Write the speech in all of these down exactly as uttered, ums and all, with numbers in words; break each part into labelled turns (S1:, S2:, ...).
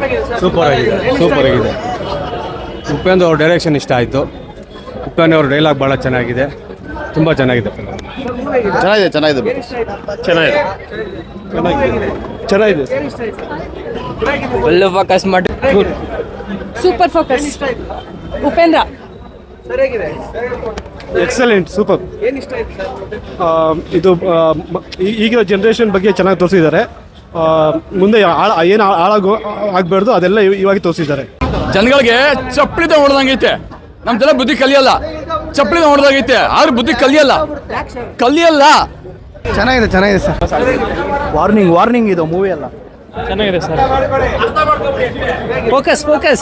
S1: Super ಆಗಿದೆ super ಆಗಿದೆ. ಉಪೇಂದ್ರ ಅವ್ರ ಡೈರೆಕ್ಷನ್ ಇಷ್ಟ ಆಯಿತು. ಉಪೇಂದ್ರ ಅವ್ರ ಡೈಲಾಗ್ ಭಾಳ ಚೆನ್ನಾಗಿದೆ, ತುಂಬ ಚೆನ್ನಾಗಿದೆ.
S2: ಚೆನ್ನಾಗಿದೆ ಚೆನ್ನಾಗಿದೆ
S1: ಚೆನ್ನಾಗಿದೆ ಚೆನ್ನಾಗಿದೆ
S3: ಒಳ್ಳೆ ಫೋಕಸ್ ಮಾಡಿ
S4: super focus. Upendra
S1: excellent super. ಇದು ಈಗಿನ ಜನ್ರೇಷನ್ ಬಗ್ಗೆ ಚೆನ್ನಾಗಿ ತೋರಿಸಿದ್ದಾರೆ. ಮುಂದೆ ಏನು ಹಾಳಾಗೋ ಆಗಬಾರ್ದು ಅದೆಲ್ಲ ಇವಾಗ ತೋರಿಸಿದ್ದಾರೆ.
S5: ಜನಗಳಿಗೆ ಚಪ್ಪಲಿದ ಹೊಡೆದಂಗೈತೆ, ನಮ್ಮ ಜನ ಬುದ್ಧಿ ಕಲಿಯಲ್ಲ. ಚಪ್ಪಲಿದ ಹೊಡೆದಾಗೈತೆ ಆದ್ರೆ ಬುದ್ಧಿ ಕಲಿಯಲ್ಲ ಕಲಿಯಲ್ಲ
S2: ಚೆನ್ನಾಗಿದೆ ಚೆನ್ನಾಗಿದೆ ಸರ್. ವಾರ್ನಿಂಗ್ ವಾರ್ನಿಂಗ್ ಇದು ಮೂವಿ ಎಲ್ಲ
S3: ಚೆನ್ನಾಗಿದೆ ಸರ್. ಫೋಕಸ್ ಫೋಕಸ್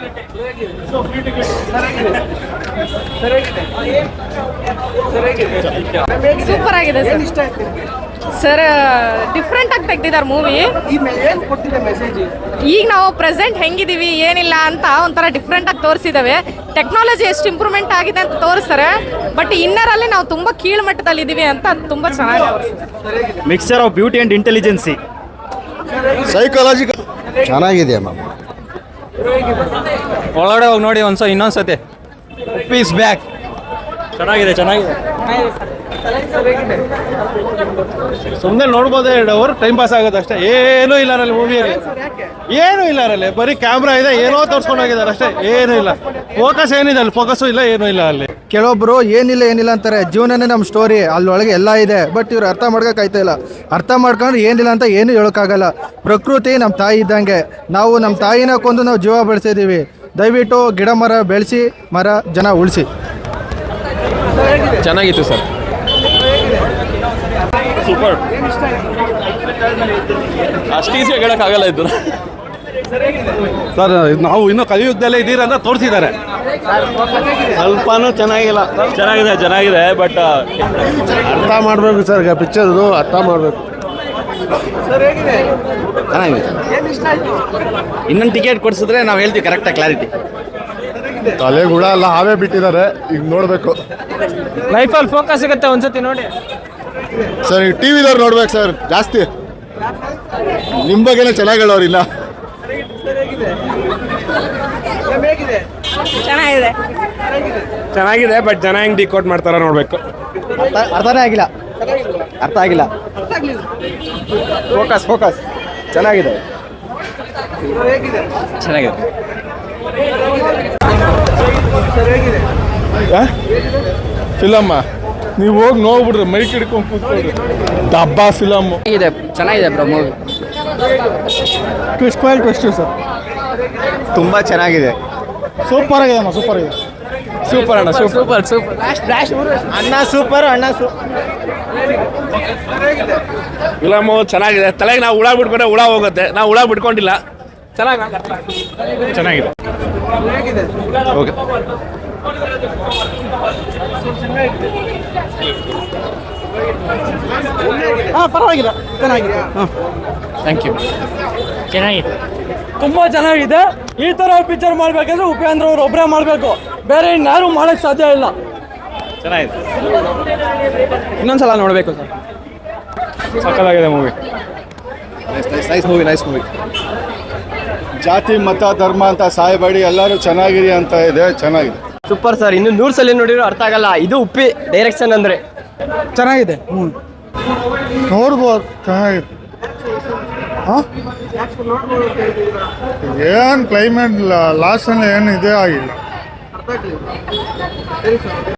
S4: ಸೂಪರ್ ಆಗಿದೆ ಸರ್. ಡಿಫ್ರೆಂಟ್ ಆಗಿ ತೆಗ್ದಿದ್ದಾರೆ ಮೂವಿ. ಈಗ ನಾವು ಪ್ರೆಸೆಂಟ್ ಹೆಂಗಿದೀವಿ ಏನಿಲ್ಲ ಅಂತ ಒಂಥರ ಡಿಫ್ರೆಂಟ್ ಆಗಿ ತೋರಿಸಿದಾವೆ. ಟೆಕ್ನಾಲಜಿ ಎಷ್ಟು ಇಂಪ್ರೂವ್ಮೆಂಟ್ ಆಗಿದೆ ಅಂತ ತೋರಿಸ್ತಾರೆ, ಬಟ್ ಇನ್ನರ್ ಅಲ್ಲಿ ನಾವು ತುಂಬಾ ಕೀಳು ಮಟ್ಟದಲ್ಲಿ ಇದೀವಿ ಅಂತ ತುಂಬಾ ಚೆನ್ನಾಗಿ ತೋರಿಸ್ತಾರೆ.
S2: Mixture of beauty and intelligence, psychological ಚೆನ್ನಾಗಿದೆ ಮ್ಯಾಮ್.
S3: ಒಳಗಡೆ ಹೋಗಿ ನೋಡಿ ಒಂದ್ಸ ಇನ್ನೊಂದ್ಸತಿ.
S2: ಪೀಸ್ ಬ್ಯಾಕ್
S3: ಚೆನ್ನಾಗಿದೆ ಚೆನ್ನಾಗಿದೆ
S1: ಸುಮ್ಮನೆ ನೋಡ್ಬೋದೇ, ಎರಡು ಅವರ್ ಟೈಮ್ ಪಾಸ್ ಆಗೋದು ಅಷ್ಟೇ. ಏನೂ ಇಲ್ಲ ಅಲ್ಲಿ ಮೂವಿಯಲ್ಲಿ, ಏನೂ ಇಲ್ಲ ಅಲ್ಲಿ. ಬರೀ ಕ್ಯಾಮ್ರಾ ಇದೆ, ಏನೋ ತೋರಿಸ್ಕೊಂಡು ಹೋಗಿದ್ದಾರೆ ಅಷ್ಟೇ, ಏನೂ ಇಲ್ಲ. ಫೋಕಸ್ ಏನಿದೆ ಅಲ್ಲಿ, ಫೋಕಸ್ಸು ಇಲ್ಲ, ಏನೂ ಇಲ್ಲ ಅಲ್ಲಿ.
S6: ಕೆಲವೊಬ್ರು ಏನಿಲ್ಲ ಏನಿಲ್ಲ ಅಂತಾರೆ. ಜೀವನನೇ ನಮ್ಮ ಸ್ಟೋರಿ, ಅಲ್ಲೊಳಗೆ ಎಲ್ಲ ಇದೆ. ಬಟ್ ಇವ್ರು ಅರ್ಥ ಮಾಡ್ಕೋಕ್ಕಾಯ್ತಾ ಇಲ್ಲ. ಅರ್ಥ ಮಾಡ್ಕೊಂಡ್ರೆ ಏನಿಲ್ಲ ಅಂತ ಏನು ಹೇಳೋಕ್ಕಾಗಲ್ಲ. ಪ್ರಕೃತಿ ನಮ್ಮ ತಾಯಿ ಇದ್ದಂಗೆ. ನಾವು ನಮ್ಮ ತಾಯಿನ ಕೊಂದು ನಾವು ಜೀವ ಬೆಳೆಸಿದ್ದೀವಿ. ದಯವಿಟ್ಟು ಗಿಡ ಮರ ಬೆಳೆಸಿ, ಮರ ಜನ ಉಳಿಸಿ.
S5: ಚೆನ್ನಾಗಿತ್ತು ಸರ್. ಸೂಪರ್. ಅಷ್ಟು ಈಸಿ ಹೇಳೋಕ್ಕಾಗಲ್ಲ ಇದ್ದು
S1: ಸರ್. ನಾವು ಇನ್ನೂ ಕಲಿಯುಗದಲ್ಲೇ ಇದ್ದೀರ ಅಂತ ತೋರಿಸಿದ್ದಾರೆ. ಸ್ವಲ್ಪನೂ ಚೆನ್ನಾಗಿಲ್ಲ.
S5: ಚೆನ್ನಾಗಿದೆ ಚೆನ್ನಾಗಿದೆ ಬಟ್
S1: ಅರ್ಥ ಮಾಡಬೇಕು ಸರ್, ಪಿಕ್ಚರ್ದು ಅರ್ಥ ಮಾಡಬೇಕು.
S2: ಚೆನ್ನಾಗಿದೆ. ಇನ್ನೊಂದು ಟಿಕೆಟ್ ಕೊಡಿಸಿದ್ರೆ ನಾವು ಹೇಳ್ತೀವಿ ಕರೆಕ್ಟಾಗಿ ಕ್ಲಾರಿಟಿ.
S1: ತಲೆಗುಳ ಎಲ್ಲ ಹಾವೇ ಬಿಟ್ಟಿದ್ದಾರೆ, ಈಗ ನೋಡಬೇಕು.
S3: ಲೈಫಲ್ಲಿ ಫೋಕಸ್ ಸಿಗುತ್ತೆ ಒಂದ್ಸತಿ ನೋಡಿ
S1: ಸರ್. ಈ ಟಿ ವಿದವ್ರು ನೋಡ್ಬೇಕು ಸರ್ ಜಾಸ್ತಿ. ನಿಮ್ಮ ಬಗ್ಗೆನೇ ಚೆನ್ನಾಗಿ ಹೇಳೋರಿಲ್ಲ.
S4: ಚೆನ್ನಾಗಿದೆ
S1: ಚೆನ್ನಾಗಿದೆ ಬಟ್ ಜನ ಹೆಂಗೆ ಡಿಕೋಡ್ ಮಾಡ್ತಾರ ನೋಡಬೇಕು.
S2: ಅರ್ಥನೇ ಆಗಿಲ್ಲ ಅರ್ಥ ಆಗಿಲ್ಲ. ಫೋಕಸ್ ಫೋಕಸ್ ಚೆನ್ನಾಗಿದೆ
S3: ಚೆನ್ನಾಗಿದೆ.
S1: ಫಿಲಮ್ಮ ನೀವು ಹೋಗಿ ನೋಡ್ಬಿಡ್ರಿ, ಮೈಕ್ ಹಿಡ್ಕೊಂಡು ಕೂತ್ಕೊಳ್ರಿ. ಡಬ್ಬಾ ಫಿಲಮ್ಮು
S3: ಇದೆ ಚೆನ್ನಾಗಿದೆ bro movie.
S6: Twist point twist sir.
S2: ತುಂಬ ಚೆನ್ನಾಗಿದೆ.
S6: ಸೂಪರ್ ಆಗಿದೆ ಅಮ್ಮ, ಸೂಪರ್ ಆಗಿದೆ.
S3: ಸೂಪರ್ ಅಣ್ಣ ಸೂಪರ್ ಸೂಪರ್.
S2: ಅಣ್ಣ ಸೂಪರ್ ಅಣ್ಣ ಸೂಪರ್.
S5: ಫಿಲಮು ಚೆನ್ನಾಗಿದೆ. ತಲೆಗೆ ನಾವು ಹುಳ ಬಿಟ್ಕೊಂಡ್ರೆ ಹುಳ ಹೋಗುತ್ತೆ, ನಾವು ಹುಳ ಬಿಟ್ಕೊಂಡಿಲ್ಲ. ಚೆನ್ನಾಗಿ
S1: ಚೆನ್ನಾಗಿದೆ. ಓಕೆ.
S6: ಹಾಂ ಪರವಾಗಿಲ್ಲ, ಚೆನ್ನಾಗಿದೆ. ಹಾಂ
S3: ಥ್ಯಾಂಕ್ ಯು. ಚೆನ್ನಾಗಿದೆ,
S7: ತುಂಬ ಚೆನ್ನಾಗಿದೆ. ಈ ಥರ ಪಿಕ್ಚರ್ ಮಾಡಬೇಕಂದ್ರೆ ಉಪೇಂದ್ರ ಅವ್ರು ಒಬ್ಬರೇ ಮಾಡಬೇಕು, ಬೇರೆ ಇನ್ಯಾರು ಮಾಡೋಕ್ಕೆ ಸಾಧ್ಯ ಇಲ್ಲ.
S5: ಚೆನ್ನಾಗಿದೆ.
S3: ಇನ್ನೊಂದ್ಸಲ ನೋಡಬೇಕು ಸರ್.
S1: ಸಕ್ಕತ್ತಾಗಿದೆ movie.
S2: Nice movie nice movie.
S1: ಜಾತಿ ಮತ ಧರ್ಮ ಅಂತ ಸಾಯಬೇಡಿ, ಎಲ್ಲರೂ ಚೆನ್ನಾಗಿರಿ ಅಂತ ಇದೆ. ಚೆನ್ನಾಗಿದೆ.
S3: Super sir. ಇನ್ನು ನೂರು ಸಲ ನೋಡಿದ್ರು ಅರ್ಥ ಆಗಲ್ಲ. ಇದು ಉಪ್ಪಿ ಡೈರೆಕ್ಷನ್ ಅಂದರೆ
S6: ಚೆನ್ನಾಗಿದೆ. ಹ್ಞೂ ನೋಡ್ಬೋದು, ಚೆನ್ನಾಗಿದೆ. ಹಾಂ
S1: ಏನು ಕ್ಲೈಮೇಟ್ ಲಾಸ್ಟಲ್ಲಿ ಏನು ಇದೇ ಆಗಿಲ್ಲ.